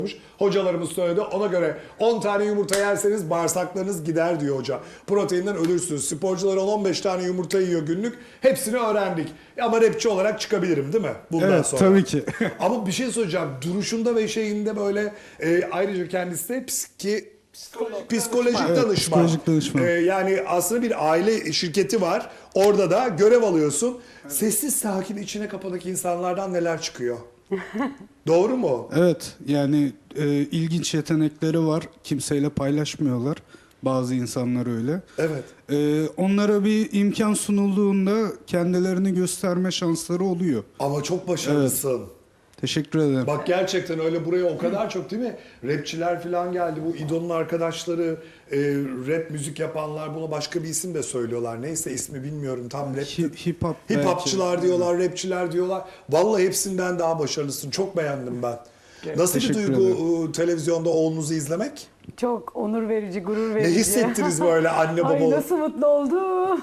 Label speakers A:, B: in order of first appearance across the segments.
A: Hocalarımız söyledi. Ona göre 10 tane yumurta yerseniz bağırsaklarınız gider diyor hoca. Proteinden ölürsünüz. Sporcular 10-15 tane yumurta yiyor günlük. Hepsini öğrendik. Ama rapçi olarak çıkabilirim değil mi? Bundan
B: Evet,
A: sonra.
B: tabii ki.
A: Ama bir şey söyleyeceğim. Duruşunda ve şeyinde böyle ayrıca kendisi de psikolojik
B: Evet,
A: danışman.
B: psikolojik danışman.
A: Yani aslında bir aile şirketi var. Orada da görev alıyorsun. Sessiz sakin içine kapanık insanlardan neler çıkıyor? Doğru mu?
B: Evet, yani ilginç yetenekleri var. Kimseyle paylaşmıyorlar. Bazı insanlar öyle.
A: Evet.
B: Onlara bir imkan sunulduğunda kendilerini gösterme şansları oluyor.
A: Ama çok başarılısın.
B: Teşekkür ederim.
A: Bak gerçekten öyle buraya o kadar çok değil mi? Rapçiler falan geldi. Bu İdo'nun arkadaşları, rap müzik yapanlar buna başka bir isim de söylüyorlar. Neyse ismi bilmiyorum tam rap.
B: Hip hop
A: Hip
B: belki.
A: hopçılar diyorlar, rapçiler diyorlar. Vallahi hepsinden daha başarılısın. Çok beğendim ben. Nasıl bir
B: Teşekkür
A: duygu televizyonda oğlunuzu izlemek?
C: Çok onur verici, gurur
A: Ne
C: verici.
A: hissettiniz böyle anne baba
C: Ay
A: olup?
C: nasıl mutlu oldum.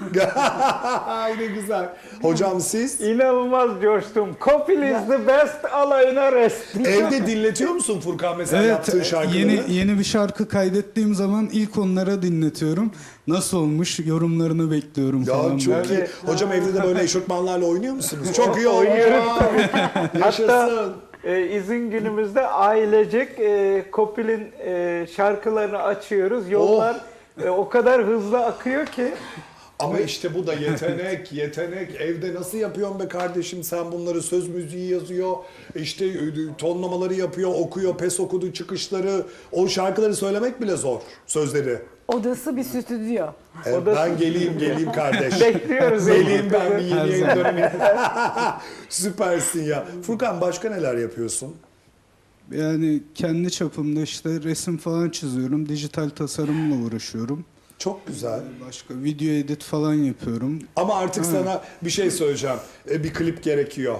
A: Ay ne güzel. Hocam siz?
D: İnanılmaz coştum. Kopil is the best, alayına rest.
A: Evde dinletiyor musun Furkan mesela yaptığın
B: Evet,
A: şarkıları?
B: yeni bir şarkı kaydettiğim zaman ilk onlara dinletiyorum. Nasıl olmuş yorumlarını bekliyorum
A: Ya
B: falan.
A: çok
B: böyle.
A: iyi. Hocam evde de böyle eşofmanlarla oynuyor musunuz? Çok iyi olmuş.
D: Oynuyoruz
A: Yaşasın.
D: Hatta izin günümüzde ailecek Kopil'in şarkılarını açıyoruz. Yollar o kadar hızlı akıyor ki.
A: Ama işte bu da yetenek, yetenek. Evde nasıl yapıyorsun be kardeşim sen bunları? Söz müziği yazıyor, işte tonlamaları yapıyor, okuyor, pes okudu çıkışları. O şarkıları söylemek bile zor, sözleri.
C: Odası bir stüdyo.
A: Ben geleyim kardeş.
D: Bekliyoruz.
A: Geleyim ben bir yeni
B: Her
A: yayın
B: zaman.
A: dönemi. Süpersin ya. Furkan başka neler yapıyorsun?
B: Yani kendi çapımda işte resim falan çiziyorum. Dijital tasarımla uğraşıyorum.
A: Çok güzel.
B: Başka video edit falan yapıyorum.
A: Ama artık sana bir şey söyleyeceğim. Bir klip gerekiyor.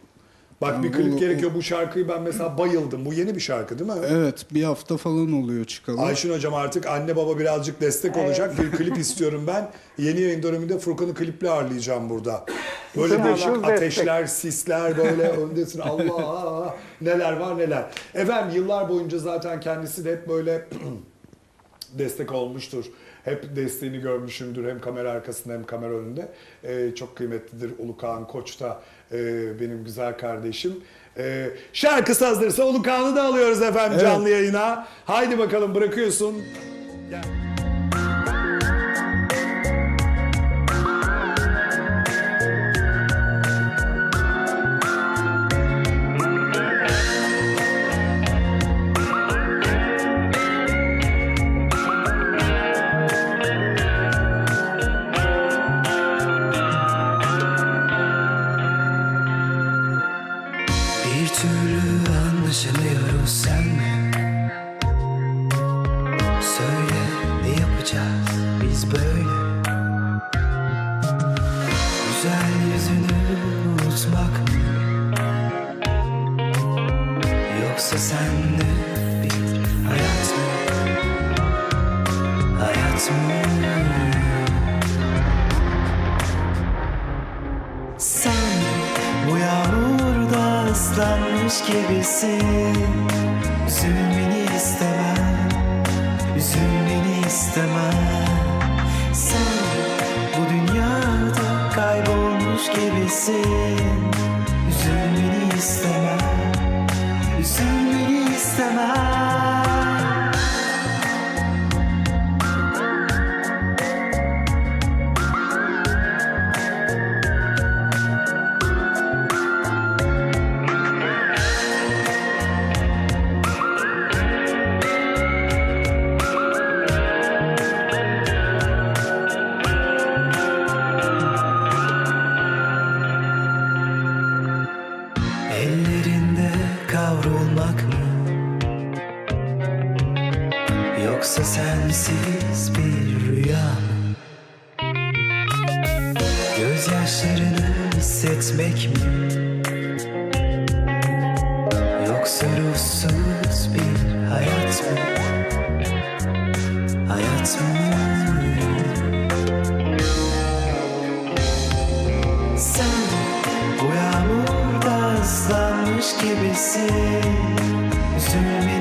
A: Bak bir klip gerekiyor. Bu şarkıyı ben mesela bayıldım. Bu yeni bir şarkı değil mi?
B: Evet, bir hafta falan oluyor çıkalı.
A: Ayşin hocam artık anne baba birazcık destek olacak. Bir klip istiyorum ben. Yeni yayın döneminde Furkan'ı kliple ağırlayacağım burada. Böyle
D: İnşallah.
A: değişik
D: Destek.
A: ateşler, sisler böyle öndesin. Allah neler var neler. Efendim yıllar boyunca zaten kendisi de hep böyle destek olmuştur. Hep desteğini görmüşümdür hem kamera arkasında hem kamera önünde. Çok kıymetlidir Ulukan Koç da benim güzel kardeşim. Şarkısı hazırsa Ulukan'ı da alıyoruz efendim
B: Evet.
A: canlı yayına. Haydi bakalım bırakıyorsun. Gel.
E: Bir türlü anlaşamıyoruz senle. Söyle ne yapacağız biz böyle? Güzel yüzünü unutmak mı? Yoksa senle bir hayat mı? Hayat mı? Sen bu yağmurda ıslanmış gibisin. Üzülmeni istemem, üzülmeni istemem. Sen bu dünyada kaybolmuş gibisin. Üzülmeni istemem, üzülmeni istemem. Ellerinde kavrulmak mı? Yoksa sensiz bir rüya mı? Gözyaşlarını hissetmek mi? Yoksa ruhsuz bir hayat mı? Hayat mı? Sen bu yağmurda ıslanmış gibisin. Üzülme